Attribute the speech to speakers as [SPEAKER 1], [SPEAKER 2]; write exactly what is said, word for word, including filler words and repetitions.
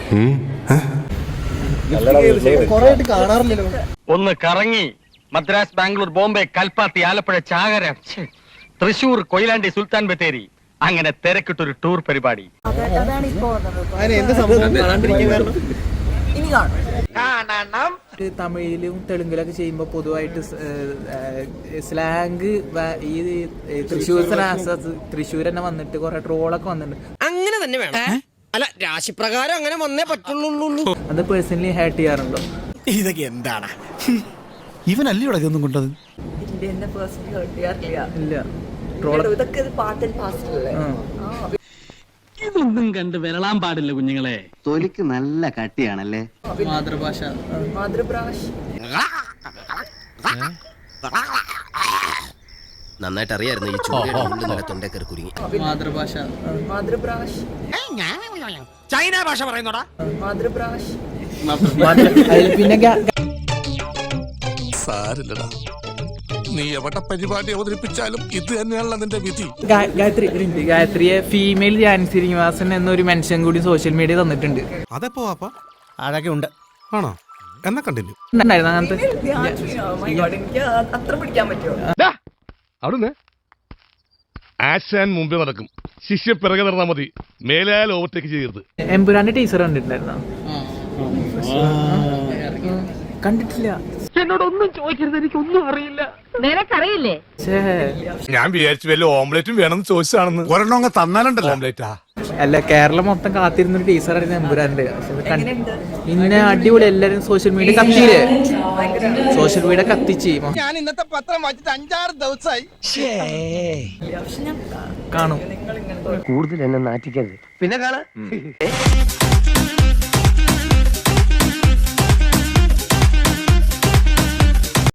[SPEAKER 1] ഒന്ന് കറങ്ങി മദ്രാസ്, ബാംഗ്ലൂർ, ബോംബെ, കൽപ്പാത്തി, ആലപ്പുഴ, ചാകര, തൃശൂർ, കൊയിലാണ്ടി, സുൽത്താൻ ബത്തേരി, അങ്ങനെ തിരക്കിട്ടൊരു ടൂർ പരിപാടി.
[SPEAKER 2] തമിഴിലും തെലുങ്കിലൊക്കെ ചെയ്യുമ്പോ പൊതുവായിട്ട് സ്ലാങ് ഈ തൃശ്ശൂർ തൃശ്ശൂർ തന്നെ വന്നിട്ട് കൊറേ ട്രോളൊക്കെ വന്നിട്ടുണ്ട്.
[SPEAKER 3] അങ്ങനെ തന്നെ വേണം. അല്ല, രാശിപ്രകാരം അങ്ങനെ വന്നേ പറ്റുള്ളൂ.
[SPEAKER 2] അത് പേഴ്സണലി ഹേർട്ട് ചെയ്യാറുണ്ടോ?
[SPEAKER 4] ഇതൊക്കെ എന്താണ് ഇവനല്ലേ ഇവിടെ ഇതൊന്നും കൊണ്ടത്?
[SPEAKER 1] ഇതൊന്നും കണ്ട് വിരളാൻ പാടില്ല കുഞ്ഞുങ്ങളെ.
[SPEAKER 5] തൊലിക്ക് നല്ല കട്ടിയാണല്ലേ.
[SPEAKER 2] മാതൃഭാഷ മാതൃഭാഷ
[SPEAKER 3] നന്നായിട്ട് അറിയായിരുന്നു ഈ ചൂടിന്റെ തൊണ്ടക്കറി കുരുങ്ങി.
[SPEAKER 2] മാതൃഭാഷ മാതൃഭാഷ
[SPEAKER 4] ചൈന ഭാഷ പറയുന്നോടാ.
[SPEAKER 2] മാതൃഭാഷ പിന്നെ
[SPEAKER 6] സാരില്ലടാ, നീ എവിടെ പരിപാടി അവതരിപ്പിച്ചാലും ഇത് തന്നെയാണല്ലോ നിന്റെ വിധി.
[SPEAKER 2] ഗായത്രി ഗായത്രിയെ ഫീമെയിൽ ജാനി ശ്രീനിവാസൻ എന്നൊരു മെൻഷൻ കൂടി സോഷ്യൽ മീഡിയ തന്നിട്ടുണ്ട്.
[SPEAKER 6] അതെപ്പോ വാപ്പാ?
[SPEAKER 4] അതൊക്കെ ഉണ്ട്.
[SPEAKER 6] ആണോ? എന്നാ കണ്ടിന്യൂ.
[SPEAKER 2] അങ്ങനത്തെ
[SPEAKER 6] അവിടുന്ന് ആശാൻ മുമ്പേ നടക്കും, ശിഷ്യ പിറകെ നടന്നാ മതി, മേലാൽ ഓവർടേക്ക് ചെയ്യരുത്.
[SPEAKER 2] എമ്പുരാന്റെ ടീച്ചർ കണ്ടിട്ടുണ്ടായിരുന്നോ? കണ്ടിട്ടില്ല.
[SPEAKER 1] എന്നോടൊന്നും ചോദിക്കരുത്, എനിക്കൊന്നും അറിയില്ല.
[SPEAKER 7] നിനക്കറിയില്ലേ?
[SPEAKER 6] ഞാൻ വിചാരിച്ചു വല്ല ഓംലെറ്റും വേണമെന്ന് ചോദിച്ചാണെന്ന്. ഒരെണ്ണം അങ്ങ് തന്നാലുണ്ടല്ലോ ഓംലെറ്റാ.
[SPEAKER 2] അല്ല, കേരളം മൊത്തം കാത്തിരുന്നൊരു ടീച്ചറായിരുന്നു എമ്പുരാന്റെ. ഇന്നെ അടിപൊളി, എല്ലാരും സോഷ്യൽ മീഡിയ കത്തിയില്ലേ? സോഷ്യൽ മീഡിയ കത്തിച്ച്
[SPEAKER 4] ഞാൻ ഇന്നത്തെ പത്രം വായിച്ചിട്ട് അഞ്ചാറ് ദിവസമായി.
[SPEAKER 2] കാണും.
[SPEAKER 3] കൂടുതൽ എന്നെ നാറ്റിക്കരുത്. പിന്നെ കാണാ.